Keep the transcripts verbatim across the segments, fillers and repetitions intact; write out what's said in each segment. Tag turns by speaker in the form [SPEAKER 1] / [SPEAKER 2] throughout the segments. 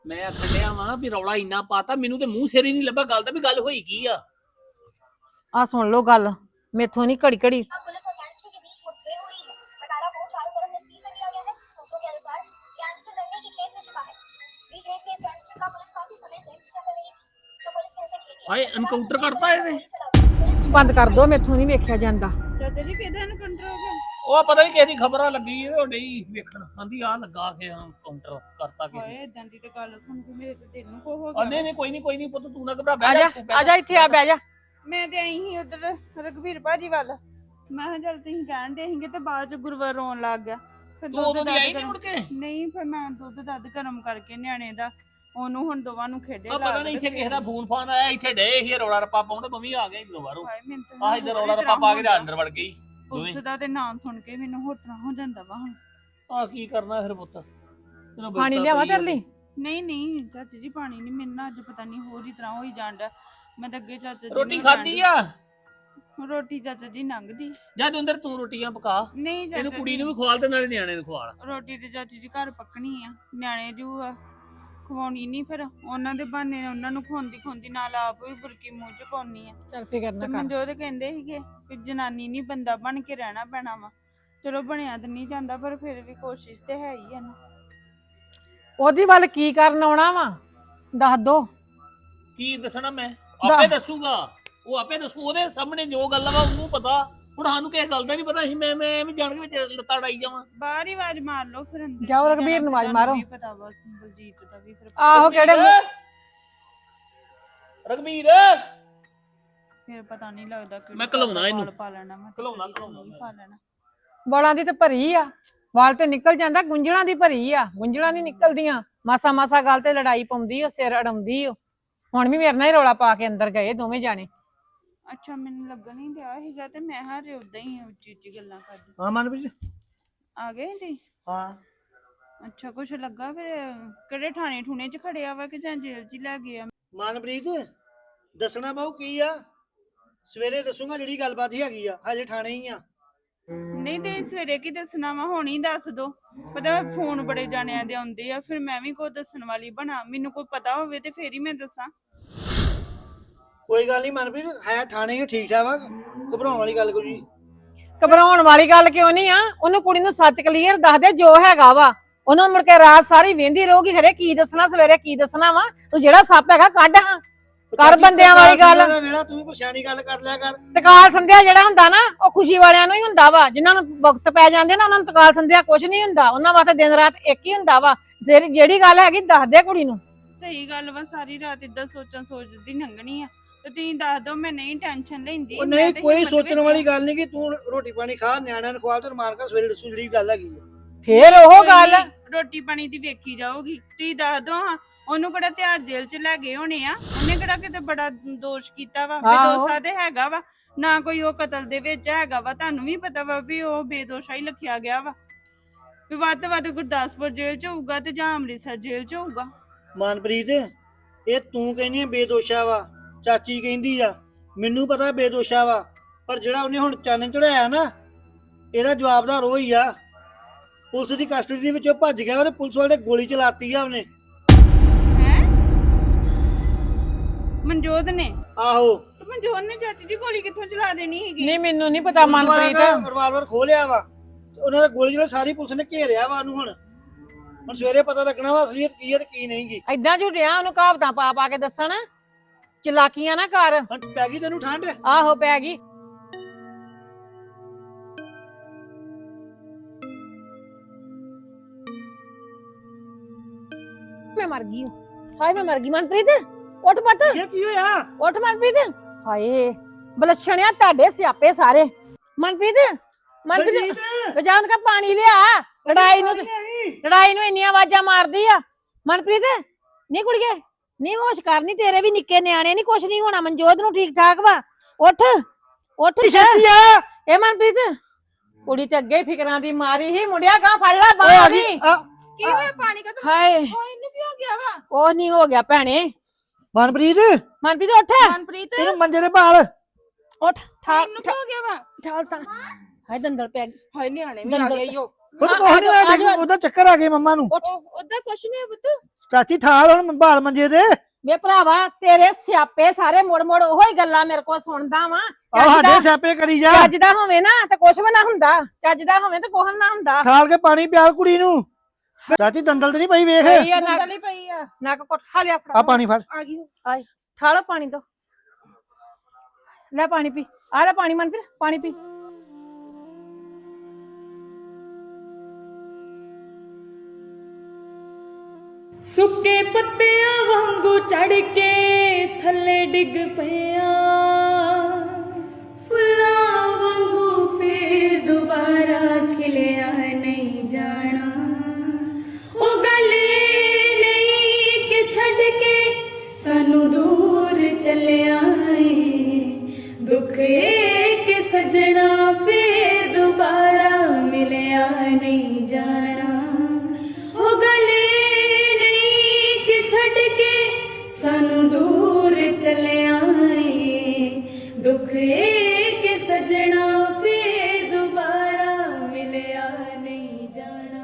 [SPEAKER 1] मैं आखिया वा भी रौला इन्ना पाता मैनू तो मूंह सिर ही नहीं लभा गल भी गल होई की आ
[SPEAKER 2] आ सुन लो गल मेथों नहीं घड़ी घड़ी
[SPEAKER 3] पुलिस और गैंगस्टर के बीच मुठभेड़ हो रही है। बटाला को चारों तरफ से सील कर दिया गया है। सूत्रों के अनुसार गैंगस्टर लड़ने की खेत में छिपा है। बी ग्रेड के इस गैंगस्टर का पुलिस काफी समय से पीछा कर रही थी, तो पुलिस ने उसे घेर लिया।
[SPEAKER 1] हाय एनकाउंटर करता है
[SPEAKER 2] बंद कर दो मेथों नहीं वेख्या जांदा
[SPEAKER 4] ਚਾਚਾ ਜੀ ਕਿਹਦਾ ਐਨਕਾਊਂਟਰ ਹੋ ਗਿਆ?
[SPEAKER 1] ਉਹ ਪਤਾ ਨਹੀਂ ਕਿਹਦੀ ਖਬਰਾਂ ਲੱਗੀ ਉਹ ਨਹੀਂ ਵੇਖਣ ਆਂਦੀ ਆ ਲੱਗਾ ਕੇ ਹਾਂ ਕਾਊਂਟਰ ਕਰਤਾ ਕੇ
[SPEAKER 4] ਹਾਏ ਇਦਾਂ ਦੀ ਤੇ ਗੱਲ ਸੁਣ ਕੇ ਮੇਰੇ ਤੇ ਦਿਲ ਨੂੰ ਕੋ ਹੋ
[SPEAKER 1] ਆ
[SPEAKER 4] ਗਿਆ।
[SPEAKER 1] ਨਹੀਂ ਨਹੀਂ ਕੋਈ ਨਹੀਂ ਕੋਈ ਨਹੀਂ ਪੁੱਤ ਤੂੰ ਨਾ ਘਬਰਾ
[SPEAKER 2] आ
[SPEAKER 1] ਬਹਿ
[SPEAKER 2] जा
[SPEAKER 1] ਜਾ
[SPEAKER 2] आ जा इत्थे आ बह जा
[SPEAKER 4] ਮੈਂ ਤੇ ਆਈ ਸੀ ਉਧਰ ਰਘਵੀਰ ਭਾਜੀ ਵੱਲ। ਮੈਂ ਕਿਹਾ ਚੱਲ ਤੁਸੀਂ ਕਹਿਣ ਦੇ ਸੀਗੇ ਤੇ ਬਾਅਦ ਚ ਗੁਰਵਰ ਰੋਣ ਲੱਗ ਗਿਆ। ਫਿਰ
[SPEAKER 1] ਤੂੰ ਉਦੋਂ ਦੀ
[SPEAKER 4] ਦੱਧ
[SPEAKER 1] ਆਈ ਨਹੀਂ
[SPEAKER 4] ਗਰਮ-
[SPEAKER 1] ਮੁੜ ਕੇ
[SPEAKER 4] ਨਹੀਂ ਫਿਰ ਮੈਂ ਦੁੱਧ ਦੱਧ ਗਰਮ ਕਰਕੇ ਨਿਆਣੇ ਦਾ ਉਹਨੂੰ ਹੁਣ ਦੋਵਾਂ ਨੂੰ ਖੇਡੇ
[SPEAKER 1] ਆ ਪਤਾ ਨਹੀਂ ਇੱਥੇ ਕਿਸੇ ਦਾ ਫੋਨ ਫਾਨ ਆਇਆ ਇੱਥੇ ਡੇ ਹੀ ਰੌਲਾ ਰੱਪਾ ਪਾਉਂਦੇ ਮੰਮੀ ਆ ਗਏ ਇਧਰੋਂ ਬਾਹਰੋਂ ਆਹ ਇੱਧਰ ਰੌਲਾ ਰੱਪਾ ਪਾ ਕੇ ਤੇ ਅੰਦਰ ਵੜ ਗਈ
[SPEAKER 4] ਪੁਲਿਸ ਦਾ ਤੇ ਨਾਮ ਸੁਣ ਕੇ ਮੈਨੂੰ ਹੋਟਣਾ ਹੋ ਜਾਂਦਾ ਵਾ ਹੁਣ।
[SPEAKER 1] ਆ ਕੀ ਕਰਨਾ ਫਿਰ ਪੁੱਤ ਤੈਨੂੰ
[SPEAKER 2] पानी
[SPEAKER 1] ਬਿਪਤਾ
[SPEAKER 2] लियावा
[SPEAKER 1] ਪਈ ਆ।
[SPEAKER 2] तेरे लिए
[SPEAKER 4] ਨਹੀਂ ਨਹੀਂ ਚਾਚੀ ਜੀ ਪਾਣੀ ਨਹੀਂ ਮਿਲਣਾ ਅੱਜ ਪਤਾ ਨਹੀਂ ਹੋਰ ਹੀ ਤਰ੍ਹਾਂ ਹੋਈ ਜਾਂਦਾ। ਮੈਂ ਤਾਂ ਅੱਗੇ ਚਾਚਾ ਜੀ
[SPEAKER 1] ਰੋਟੀ
[SPEAKER 4] ਨੂੰ
[SPEAKER 1] ਖਾਧੀ ਆ
[SPEAKER 4] ਕਹਿਣ- ਰੋਟੀ ਚਾਚਾ ਜੀ ਲੰਘਦੀ
[SPEAKER 1] ਜਦ ਅੰਦਰ ਤੂੰ ਰੋਟੀਆਂ ਪਕਾ
[SPEAKER 4] ਨਹੀਂ ਚਾਚਾ
[SPEAKER 1] ਇਹਨੂੰ ਕੁੜੀ
[SPEAKER 4] ਜੀ,
[SPEAKER 1] ਨੂੰ ਵੀ ਖਵਾਲ ਤੇ ਨਾਲੇ ਨਿਆਣੇ ਨੂੰ ਖਵਾਲ
[SPEAKER 4] ਰੋਟੀ ਤੇ ਚਾਚੀ ਜੀ ਘਰ ਪੱਕਣੀ ਆ। ਨਿਆਣੇ ਜੂ ਆ ਖਵਾਉਣੀ ਨਹੀਂ ਫਿਰ ਉਹਨਾਂ ਦੇ ਬਹਾਨੇ ਉਹਨਾਂ ਨੂੰ ਖਵਾਉਂਦੀ ਖਵਾਉਂਦੀ ਨਾਲ ਆਪ ਵੀ ਬੁਰਕੀ ਮੂੰਹ ਚ ਪਾਉਣੀ ਆ।
[SPEAKER 2] चल फिकर
[SPEAKER 4] ਤੇ
[SPEAKER 2] ना कर
[SPEAKER 4] ਮਨਜੋਤ ਕਹਿੰਦੇ ਸੀਗੇ ਕਿ ਜਨਾਨੀ ਨਹੀਂ ਬੰਦਾ ਬਣ ਕੇ ਰਹਿਣਾ ਪੈਣਾ ਵਾ। ਚਲੋ ਬਣਿਆ ਤਾਂ ਨਹੀਂ ਜਾਂਦਾ ਪਰ ਫਿਰ ਵੀ ਕੋਸ਼ਿਸ਼ ਤੇ ਹੈ ਹੀ ਆ ਨਾ।
[SPEAKER 2] ओदी वाल की करन आउणा वा दस दो
[SPEAKER 1] ਕੀ ਦੱਸਣਾ ਮੈਂ ਆਪੇ ਦੱਸੂਗਾ ਉਹ ਆਪੇ ਦੱਸੂ ਉਹਦੇ ਸਾਹਮਣੇ ਜੋ ਗੱਲ ਵਾ ਉਹਨੂੰ ਪਤਾ ਹੁਣ ਸਾਨੂੰ ਕਿਸੇ ਗੱਲ ਦਾ ਨਹੀਂ ਪਤਾ ਸੀ ਮੈਂ ਮੈਂ ਐਵੇਂ ਜਾਣ ਕੇ ਵਿੱਚ ਲੱਤਾਂ ਡਾਈ ਜਾਵਾਂ
[SPEAKER 4] ਬਾਹਰ ਹੀ ਆਵਾਜ਼ ਮਾਰ ਲਓ ਫਿਰ ਅੰਦਰ
[SPEAKER 2] ਜਾਓ
[SPEAKER 4] ਕੀ
[SPEAKER 2] ਰਘਬੀਰ ਨੂੰ
[SPEAKER 4] ਜਾਣਾ,
[SPEAKER 2] ਆਵਾਜ਼ ਮਾਰੋ।
[SPEAKER 4] ਤੁਹਾਨੂੰ ਵੀ ਪਤਾ ਵਾ ਬਲਜੀਤ ਦਾ ਵੀ ਫਿਰ
[SPEAKER 2] आहो केड़े
[SPEAKER 1] ਰਘਬੀਰ
[SPEAKER 4] ਫਿਰ ਪਤਾ ਨਹੀਂ ਲੱਗਦਾ ਕਿ
[SPEAKER 1] ਮੈਂ ਘਲਾਉਣਾ ਇਹਨੂੰ।
[SPEAKER 4] ਪਾ ਲੈਣਾ ਮੈਂ
[SPEAKER 1] ਘਲਾਉਣਾ,
[SPEAKER 4] ਕਿਹੜੀ
[SPEAKER 1] ਘਲਾਉਣਾ ਮੈਂ।
[SPEAKER 4] ਪਾ ਲੈਣਾ।
[SPEAKER 2] ਵਾਲਾਂ ਦੀ ਤੇ ਭਰੀ ਆ ਵਾਲ ਤੇ ਨਿਕਲ ਜਾਂਦਾ ਗੁੰਝਲਾਂ ਦੀ ਭਰੀ ਆ ਗੁੰਝਲਾਂ ਨਹੀਂ ਨਿਕਲਦੀਆਂ ਮਾਸਾ ਮਾਸਾ ਗੱਲ ਤੇ ਲੜਾਈ ਪਾਉਂਦੀ ਓ ਸਿਰ ਅੜਾਉਂਦੀ ਓ ਹੁਣ ਵੀ ਮੇਰੇ ਨਾਲ ਹੀ ਰੌਲਾ ਪਾ ਕੇ ਅੰਦਰ ਗਏ ਦੋਵੇਂ ਜਾਣੇ
[SPEAKER 4] ਅੱਛਾ ਮੈਨੂੰ ਲੱਗਣ ਨਹੀਂ ਡਿਆ ਸੀਗਾ ਤੇ ਮੈਂ ਹਾਰੇ ਉਦਾਂ ਹੀ ਉੱਚੀ ਉੱਚੀ ਗੱਲਾਂ ਕਰਦੀ।
[SPEAKER 5] ਹਾਂ ਮਨਪ੍ਰੀਤ
[SPEAKER 4] ਆ ਗਏ ਜੀ?
[SPEAKER 5] ਹਾਂ
[SPEAKER 4] ਅੱਛਾ ਕੁਛ ਲੱਗਾ ਫਿਰ ਕਿਹੜੇ ਥਾਣੇ ਠੂਣੇ ਚ ਖੜਿਆ ਵਾ ਕਿ ਜਾਂ ਜੇਲ੍ਹ ਚ ਹੀ ਲੈ ਗਏ ਆ?
[SPEAKER 5] ਮਨਪ੍ਰੀਤ ਦੱਸਣਾ ਬਾਹੂ ਕੀ ਆ ਸਵੇਰੇ ਦੱਸੂਗਾ ਜਿਹੜੀ ਗੱਲਬਾਤ ਹੀ ਹੈਗੀ ਆ ਹਜੇ ਥਾਣੇ ਹੀ ਆ।
[SPEAKER 4] ਨਹੀਂ ਤੇ ਸਵੇਰੇ ਕੀ ਦੱਸਣਾ ਵਾ ਹੁਣ ਹੀ ਦੱਸ ਦੋ। ਪਤਾ ਫੋਨ ਬੜੇ ਜਾਣਿਆਂ ਦੇ ਆਉਂਦੇ ਆ ਫਿਰ ਮੈਂ ਵੀ ਕੋਈ ਦੱਸਣ ਵਾਲੀ ਬਣਾ। ਮੈਨੂੰ ਕੋਈ ਪਤਾ ਹੋਵੇ ਤੇ ਫੇਰ ਹੀ ਮੈਂ ਦੱਸਾਂ।
[SPEAKER 5] ਕੋਈ ਗੱਲ ਨਹੀਂ ਮਨਪ੍ਰੀਤ ਹੈ ਥਾਣੇ ਹੀ ਠੀਕ ਠਾਕ ਵਾ ਘਬਰਾਉਣ ਵਾਲੀ ਗੱਲ ਕੋਈ ਨਹੀਂ।
[SPEAKER 2] ਘਬਰਾਉਣ ਵਾਲੀ ਗੱਲ ਕਿਉਂ ਨਹੀਂ ਆ ਉਹਨੂੰ ਕੁੜੀ ਨੂੰ ਸੱਚ ਕਲੀਅਰ ਦੱਸ ਦੇ ਜੋ ਹੈਗਾ ਵਾ ਉਹਨੂੰ ਮੁੜ ਕੇ ਰਾਤ ਸਾਰੀ ਵੇਂਦੀ ਰਹੂਗੀ ਖਰੇ ਕੀ ਦੱਸਣਾ ਸਵੇਰੇ ਕੀ ਦੱਸਣਾ ਵਾ ਤੂੰ ਜਿਹੜਾ ਸੱਪ ਹੈਗਾ ਕੱਢ ਹਾਂ ਕਰ ਬੰਦਿਆਂ ਵਾਲੀ ਗੱਲ
[SPEAKER 5] ਵੇਲਾ ਤੂੰ ਵੀ ਕੋਈ ਸਿਆਣੀ ਗੱਲ ਕਰ ਲਿਆ ਕਰ।
[SPEAKER 2] ਤਕਾਲ ਸੰਧਿਆ ਜਿਹੜਾ ਹੁੰਦਾ ਨਾ ਉਹ ਖੁਸ਼ੀ ਵਾਲਿਆਂ ਨੂੰ ਹੀ ਹੁੰਦਾ ਵਾ ਜਿਨ੍ਹਾਂ ਨੂੰ ਵਕਤ ਪੈ ਜਾਂਦੇ ਨਾ ਉਹਨਾਂ ਨੂੰ ਤਕਾਲ ਸੰਧਿਆ ਕੁਝ ਨਹੀਂ ਹੁੰਦਾ ਉਹਨਾਂ ਵਾਸਤੇ ਦਿਨ ਰਾਤ ਇੱਕ ਹੀ ਹੁੰਦਾ ਵਾ ਜਿਹੜੀ ਜਿਹੜੀ ਗੱਲ ਹੈਗੀ ਦੱਸ ਦੇ ਕੁੜੀ ਨੂੰ।
[SPEAKER 4] ਸਹੀ ਗੱਲ ਵਾ ਸਾਰੀ ਰਾਤ ਇਦਾਂ ਸੋਚਾਂ ਸੋਚਦੀ ਲੰਘਣੀ ਆ ਤੇ ਤੁਸੀਂ ਦੱਸ ਦੋ ਮੈਂ ਨਹੀਂ ਟੈਨਸ਼ਨ ਲੈਂਦੀ।
[SPEAKER 5] ਉਹ
[SPEAKER 4] ਮੈਂ
[SPEAKER 5] ਨਹੀਂ
[SPEAKER 4] ਤੇ
[SPEAKER 5] ਕੋਈ
[SPEAKER 4] ਹਿੰਮਤ
[SPEAKER 5] ਸੋਚਣ
[SPEAKER 4] ਵਿੱਚ-
[SPEAKER 5] ਵਾਲੀ ਗੱਲ ਨਹੀਂ ਕਿ ਤੂੰ ਰੋਟੀ ਪਾਣੀ ਖਾ ਨਿਆਣਿਆਂ ਨੂੰ ਖਵਾ ਤੇ ਮਾਰ ਕੇ ਸਵੇਰੇ ਦੱਸੂ ਜਿਹੜੀ ਗੱਲ ਹੈਗੀ ਆ।
[SPEAKER 2] ਫੇਰ ਉਹ
[SPEAKER 4] ਕੋਈ
[SPEAKER 2] ਗੱਲ
[SPEAKER 4] ਨੀ, ਰੋਟੀ ਪਾਣੀ ਦੀ ਵੇਖੀ ਜਾਊਗੀ। ਤੁਸੀਂ ਦੱਸ ਦੋ ਹਾਂ ਉਹਨੂੰ ਕਿਹੜਾ ਤਿਹਾੜ ਜੇਲ੍ਹ ਚ ਲੈ ਗਏ ਹੋਣੇ ਆ। ਉਹਨੇ ਕਿਹੜਾ ਕਿਤੇ ਬੜਾ ਦੋਸ਼ ਕੀਤਾ ਵਾ। ਬੇਦੋਸ਼ਾ ਤੇ ਹੈਗਾ ਵਾ ਨਾ ਕੋਈ ਉਹ ਕਤਲ ਦੇ ਵਿੱਚ ਹੈਗਾ ਵਾ। ਤੁਹਾਨੂੰ ਵੀ ਪਤਾ ਵਾ ਵੀ ਉਹ ਬੇਦੋਸ਼ਾ ਹੀ ਲਿਖਿਆ ਗਿਆ ਵਾ ਵੀ ਵੱਧ ਤੋਂ ਵੱਧ ਗੁਰਦਾਸਪੁਰ ਜੇਲ੍ਹ ਚ ਹੋਊਗਾ ਤੇ ਜਾਂ ਅੰਮ੍ਰਿਤਸਰ ਜੇਲ੍ਹ ਚ ਹੋਊਗਾ।
[SPEAKER 5] ਮਨਪ੍ਰੀਤ ਇਹ ਤੂੰ ਕਹਿੰਦੀ ਆ ਬੇਦੋਸ਼ਾ ਵਾ ਚਾਚੀ ਕਹਿੰਦੀ ਆ ਮੈਨੂੰ ਪਤਾ ਬੇਦੋਸ਼ਾ ਵਾ ਪਰ ਜਿਹੜਾ ਉਹਨੇ ਹੁਣ ਚੰਨ ਚੜਾਇਆ ਨਾ ਇਹਦਾ ਜਵਾਬਦਾਰ ਉਹ ਹੀ ਆ। ਪੁਲਿਸ ਦੀ ਕਸਟਡੀ ਦੇ ਵਿੱਚੋਂ ਭੱਜ ਗਿਆ ਤੇ ਪੁਲਿਸ ਵਾਲੇ ਨੇ ਗੋਲੀ ਚਲਾਤੀ ਆ ਉਹਨੇ।
[SPEAKER 4] ਹੈ ਮਨਜੋਤ ਨੇ?
[SPEAKER 5] ਆਹੋ
[SPEAKER 4] ਤੇ ਮਨਜੋਤ ਨੇ ਚਾਚੀ ਜੀ ਗੋਲੀ ਕਿੱਥੋਂ ਚਲਾ ਦੇਣੀ ਹੈਗੀ?
[SPEAKER 2] ਨਹੀਂ ਮੈਨੂੰ ਨਹੀਂ ਪਤਾ ਮਨਪ੍ਰੀਤ
[SPEAKER 5] ਰਿਵਾਲਵਰ ਖੋਲਿਆ ਵਾ ਤੇ ਉਹਨਾਂ ਦਾ ਗੋਲੀ ਜਿਹੜਾ ਸਾਰੀ ਪੁਲਿਸ ਨੇ ਘੇਰਿਆ ਵਾ ਉਹਨੂੰ। ਹੁਣ ਹੁਣ ਸਵੇਰੇ ਪਤਾ ਲੱਗਣਾ ਵਾ ਅਸਲੀਅਤ ਕੀ ਹੈ ਤੇ ਕੀ ਨਹੀਂ ਗੀ।
[SPEAKER 2] ਏਦਾਂ ਝੂਠਿਆ ਉਹਨੂੰ ਕਹਾਵਤਾਂ ਪਾ ਪਾ ਕੇ ਦੱਸਣ ਚਲਾਕੀਆਂ ਨਾ ਕਰ।
[SPEAKER 5] ਹੁਣ ਪੈ ਗਈ ਤੈਨੂੰ ਠੰਡ।
[SPEAKER 2] ਆਹੋ ਪੈ ਗਈ ਮੈਂ ਮਰ ਗਈ ਹੂੰ। ਹਾਏ ਮੈਂ ਮਰ ਗਈ ਮਨਪ੍ਰੀਤ ਉੱਠ ਪੁੱਤ
[SPEAKER 5] ਇਹ ਕੀ ਹੋਇਆ?
[SPEAKER 2] ਉੱਠ ਮਨਪ੍ਰੀਤ ਹਾਏ ਬਲਛਣਿਆ ਤੁਹਾਡੇ ਸਿਆਪੇ ਸਾਰੇ। ਮਨਪ੍ਰੀਤ ਮਨਪ੍ਰੀਤ
[SPEAKER 5] ਬਲਜੀਤ,
[SPEAKER 2] ਰਜਾਨ ਕਾ ਪਾਣੀ ਲਿਆ ਲੜਾਈ ਨੂੰ
[SPEAKER 5] ਨਹੀਂ।
[SPEAKER 2] ਲੜਾਈ ਨੂੰ ਇੰਨੀਆਂ ਆਵਾਜ਼ਾਂ ਮਾਰਦੀ ਆ। ਮਨਪ੍ਰੀਤ ਨਹੀਂ ਕੁੜੀਏ ਨਹੀਂ ਹੋਸ਼ ਕਰਨੀ ਤੇਰੇ ਵੀ ਨਿੱਕੇ ਨਿਆਣੇ ਨਹੀਂ ਕੁਛ ਨਹੀਂ ਹੋਣਾ ਮਨਜੋਤ ਨੂੰ ਠੀਕ ਠਾਕ ਵਾ। ਉੱਠ ਉੱਠ
[SPEAKER 5] ਛੇਤੀ ਆ।
[SPEAKER 2] ਇਹ ਮਨਪ੍ਰੀਤ ਕੁੜੀ ਤੇ ਅੱਗੇ ਹੀ ਫਿਕਰਾਂ ਦੀ ਮਾਰੀ ਹੀ ਮੁੰਡਿਆ ਗਾ ਫੜ ਲੈ ਬਾਹਰ ਦੀ।
[SPEAKER 5] ਆ,
[SPEAKER 4] ਕੀ ਹੋਇਆ ਪਾਣੀ ਕਾ?
[SPEAKER 2] ਹਾਏ
[SPEAKER 4] ਇਹਨੂੰ ਕੀ ਹੋ ਗਿਆ ਵਾ?
[SPEAKER 2] ਕੁਛ ਨਹੀਂ ਹੋ ਗਿਆ ਭੈਣੇ।
[SPEAKER 5] ਮਨਪ੍ਰੀਤ
[SPEAKER 2] ਮਨਪ੍ਰੀਤ ਉੱਠ
[SPEAKER 4] ਮਨਪ੍ਰੀਤ
[SPEAKER 5] ਇਹਨੂੰ ਮੰਜੇ ਦੇ ਭਾਲ।
[SPEAKER 2] ਉੱਠ ਠਾਲ
[SPEAKER 4] ਇਹਨੂੰ ਕੀ ਹੋ ਗਿਆ ਵਾ?
[SPEAKER 2] ਠਾਲ ਤਾਂ ਹਾਏ ਦੰਦਲ ਪੈ ਗਈ
[SPEAKER 4] ਹਾਏ ਨਿਆਣੇ ਵੀ ਆ
[SPEAKER 2] ਦੰਦਲ
[SPEAKER 4] ਗਏ ਈਓ।
[SPEAKER 5] ਉਹ ਤਾਂ
[SPEAKER 2] ਹਾਂ,
[SPEAKER 5] ਕੋਹ ਨਹੀਂ
[SPEAKER 2] ਆ ਜਾਓ, ਆ
[SPEAKER 5] ਹੋਇਆ
[SPEAKER 2] ਜਾਓ।
[SPEAKER 5] ਉਹਦਾ ਚੱਕਰ ਆ ਗਏ ਮੰਮਾ ਨੂੰ
[SPEAKER 4] ਉਹਦਾ ਕੁਛ ਨਹੀਂ ਪੁੱਤ।
[SPEAKER 5] ਚਾਚੀ ਠਾਲ ਹੁਣ ਬਾਲ ਮੰਜੇ ਦੇ
[SPEAKER 2] ਵੇ ਭਰਾਵਾ ਤੇਰੇ ਸਿਆਪੇ ਸਾਰੇ ਮੁੜ ਮੁੜ ਉਹੋ ਹੀ ਗੱਲਾਂ ਮੇਰੇ ਕੋਲ ਸੁਣਦਾ ਵਾ
[SPEAKER 5] ਆਹ ਸਾਡੇ ਸਿਆਪੇ ਕਰੀ ਜਾ
[SPEAKER 2] ਚੱਜ ਦਾ ਹੋਵੇ ਨਾ ਤੇ ਕੁਛ ਵੀ ਨਾ ਹੁੰਦਾ, ਚੱਜ ਦਾ ਹੋਵੇ ਤੇ ਕੁਛ ਨਾ ਹੁੰਦਾ।
[SPEAKER 5] ਠਾਲ ਕੇ ਪਾਣੀ ਪਿਆਲ ਕੁੜੀ ਨੂੰ। ਚਾਚੀ ਦੰਦਲ ਤੇ ਨਹੀਂ ਪਈ ਵੇਖ
[SPEAKER 2] ਪਈ ਆ ਨੱਕ ਨਹੀਂ ਪਈ ਆ ਨੱਕ ਕੁੱਟ ਖਾ ਲਿਆ
[SPEAKER 5] ਆ ਪਾਣੀ ਫੜ
[SPEAKER 2] ਆ ਗਈ ਆਏ ਠਾਲੋ ਪਾਣੀ ਦੋ ਲੈ ਪਾਣੀ ਪੀ ਆ ਲੈ ਪਾਣੀ ਮਨਪ੍ਰੀਤ ਪਾਣੀ ਪੀ।
[SPEAKER 6] ਸੁੱਕੇ ਪੱਤਿਆਂ ਵਾਂਗੂ ਚੜ ਕੇ ਥੱਲੇ ਡਿੱਗ ਪਿਆ, ਫੁੱਲਾਂ ਵਾਂਗੂ ਫੇਰ ਦੁਬਾਰਾ ਖਿਲਿਆ ਨਹੀਂ ਜਾਣਾ। ਉਹ ਗੱਲ ਨਹੀਂ ਕਿ ਛੱਡ ਕੇ ਸਾਨੂੰ ਦੂਰ ਚੱਲਿਆ ਏ, ਦੁੱਖ ਇਹ ਕਿ ਸਜਣਾ ਫੇਰ ਦੁਬਾਰਾ ਮਿਲਿਆ ਨਹੀਂ ਜਾਣਾ। ਉਹ ਗੱਲ ਛੱਡ ਕੇ ਸਾਨੂੰ ਦੂਰ ਚੱਲਿਆ ਏ, ਦੁੱਖ ਇਹ ਕਿ ਸਜਣਾ ਫੇਰ ਦੁਬਾਰਾ ਮਿਲਿਆ ਨਹੀਂ ਜਾਣਾ।